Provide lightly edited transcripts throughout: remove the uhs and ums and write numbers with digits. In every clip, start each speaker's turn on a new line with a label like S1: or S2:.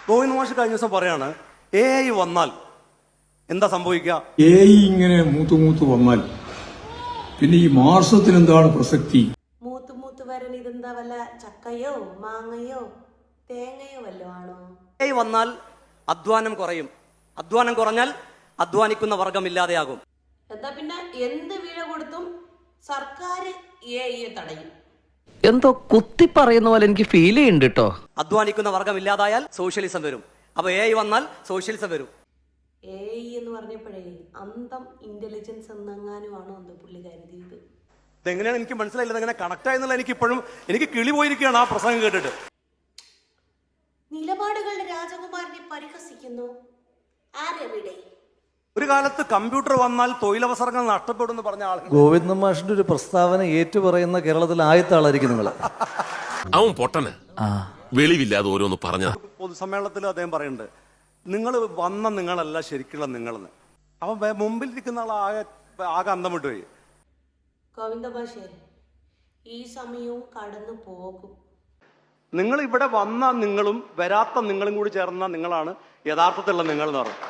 S1: ഗോവിന്ദ് മാഷ് കഴിഞ്ഞ ദിവസം പറയാണ് AI വന്നാൽ എന്താ സംഭവിക്കുക?
S2: AI ഇങ്ങനെ മൂത്തു വന്നാൽ പിന്നെ ഈ മാർസത്തിന് എന്താണ് പ്രസക്തി?
S3: മൂത്ത് വരാൻ ഇതെന്താ വല്ല ചക്കയോ മാങ്ങയോ തേങ്ങയോ വല്ലോ ആണോ?
S1: AI വന്നാൽ അധ്വാനം കുറയും. അധ്വാനം കുറഞ്ഞാൽ അധ്വാനിക്കുന്ന വർഗം ഇല്ലാതെയാകും.
S3: എന്താ പിന്നെ എന്ത് വില കൊടുത്തും സർക്കാർ AI തടയും.
S4: എന്തോ കുത്തി പറയുന്ന പോലെ എനിക്ക് ഫീൽ ചെയ്യുന്നുണ്ട് കേട്ടോ.
S1: അധ്വാനിക്കുന്ന വർഗം ഇല്ലാതായാൽ സോഷ്യലിസം വരും. അപ്പൊ AI വന്നാൽ സോഷ്യലിസം വരും.
S3: AI എന്ന് പറഞ്ഞപ്പോഴേ അന്തം ഇന്റലിജൻസ് എന്നെങ്ങാനുമാണോ എന്തോ പുള്ളി കരുതിയത്.
S1: ഇതെങ്ങനെയാണ് എനിക്ക് മനസ്സിലായില്ല. എങ്ങനെ കണക്ട് ആയെന്നുള്ള എനിക്ക് കിളി പോയിരിക്കുകയാണ് ആ പ്രസംഗം കേട്ടിട്ട്.
S3: നിലപാടുകളുടെ രാജകുമാരനെ പരിഹസിക്കുന്നു ആരെവിടെ?
S1: ഒരു കാലത്ത് കമ്പ്യൂട്ടർ വന്നാൽ തൊഴിലവസരങ്ങൾ നഷ്ടപ്പെടുമെന്ന് പറഞ്ഞ ആൾ
S5: ഗോവിന്ദ മാഷിന്റെ ഒരു പ്രസ്താവന ഏറ്റുപറയുന്ന കേരളത്തിൽ ആദ്യത്തെ ആളായിരിക്കും നിങ്ങൾ.
S6: അവൻ പൊട്ടന് വെളിവില്ലാതെ ഓരോന്ന് പറഞ്ഞ
S1: പൊതുസമ്മേളനത്തിൽ അദ്ദേഹം പറയുന്നുണ്ട്, നിങ്ങൾ വന്ന നിങ്ങളല്ല ശരിക്കുള്ള നിങ്ങളെന്ന്. അവൻ മുമ്പിലിരിക്കുന്ന ആൾ ആകെ അന്തം വിട്ടുപോയി.
S3: ഗോവിന്ദ മാഷേ, ഈ സമയവും കടന്നു പോകും.
S1: നിങ്ങൾ ഇവിടെ വന്ന നിങ്ങളും വരാത്ത നിങ്ങളും കൂടി ചേർന്ന നിങ്ങളാണ് യഥാർത്ഥത്തിലുള്ള നിങ്ങൾ എന്ന് പറഞ്ഞു.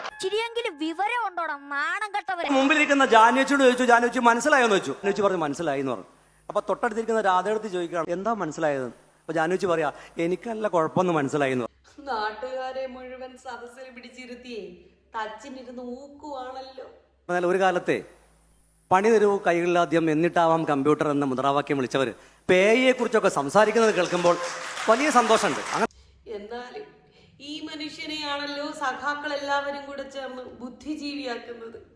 S1: മുമ്പിലിരിക്കുന്ന ജാനുവച്ചിയോട് ചോദിച്ചു, ജാനുവച്ചി മനസ്സിലായോന്ന് വെച്ചു. ജാനുവച്ചി പറഞ്ഞു മനസ്സിലായി എന്ന് പറഞ്ഞു. അപ്പൊ തൊട്ടടുത്തിരിക്കുന്ന രാധയെടുത്ത് ചോദിക്കുകയാണ് എന്താ മനസ്സിലായത്? അപ്പൊ ജാനുവച്ചി പറയാ എനിക്കല്ല കുഴപ്പമൊന്നും മനസ്സിലായി എന്ന് പറഞ്ഞു.
S3: നാട്ടുകാരെ മുഴുവൻ സദസ്സിൽ പിടിച്ചിരുത്തിയേ തച്ചിനിരുന്ന് ഊക്കുവാണല്ലോ.
S1: എന്നാൽ ഒരു കാലത്തെ പണി തരൂ കൈകളിലാദ്യം എന്നിട്ടാവാം കമ്പ്യൂട്ടർ എന്ന മുദ്രാവാക്യം വിളിച്ചവർ പേയെ കുറിച്ചൊക്കെ സംസാരിക്കുന്നത് കേൾക്കുമ്പോൾ വലിയ സന്തോഷമുണ്ട്.
S3: എന്നാലും ഈ മനുഷ്യനെയാണല്ലോ സഖാക്കൾ എല്ലാവരും കൂടെ ചേർന്ന് ബുദ്ധിജീവിയാക്കുന്നത്.